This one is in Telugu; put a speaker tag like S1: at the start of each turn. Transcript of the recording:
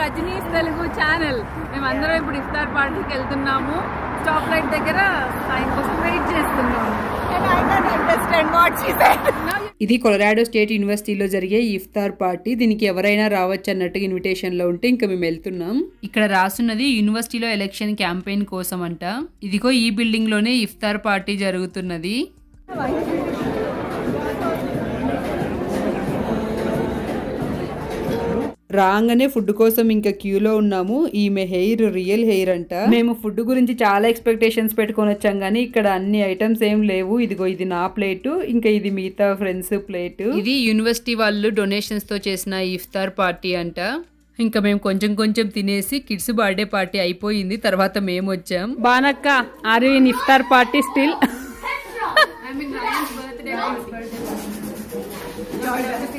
S1: రజనీస్ తెలుగు ఛానల్. మేమందరం ఇప్పుడు ఇఫ్తార్ పార్టీకి వెళ్తున్నాము. స్టాప్ లైట్ దగ్గర ఆయన కోసం వెయిట్ చేస్తున్నాము.
S2: ఇది కొలరాడో స్టేట్ యూనివర్సిటీలో జరిగే ఇఫ్తార్ పార్టీ. దీనికి ఎవరైనా రావచ్చు అన్నట్టుగా ఇన్విటేషన్ లో ఉంటే ఇంకా మేము వెళ్తున్నాం. ఇక్కడ రాసున్నది యూనివర్సిటీలో ఎలక్షన్ క్యాంపెయిన్ కోసం అంట. ఇదిగో ఈ బిల్డింగ్ లోనే ఇఫ్తార్ పార్టీ జరుగుతున్నది. రాగానే ఫుడ్ కోసం ఇంకా క్యూలో ఉన్నాము. ఈమె హెయిర్ రియల్ హెయిర్ అంట. మేము ఫుడ్ గురించి చాలా ఎక్స్పెక్టేషన్స్ పెట్టుకొని వచ్చాం కానీ ఇక్కడ అన్ని ఐటమ్స్ ఏం లేవు. ఇదిగో ఇది నా ప్లేట్, ఇంకా ఇది మిగతా ఫ్రెండ్స్ ప్లేట్. ఇది యూనివర్సిటీ వాళ్ళు డొనేషన్స్ తో చేసిన ఇఫ్తార్ పార్టీ అంట. ఇంకా మేము కొంచెం కొంచెం తినేసి కిడ్స్ బర్త్డే పార్టీ అయిపోయింది. తర్వాత మేము వచ్చాం.
S1: బానక్క, are you in iftar party still?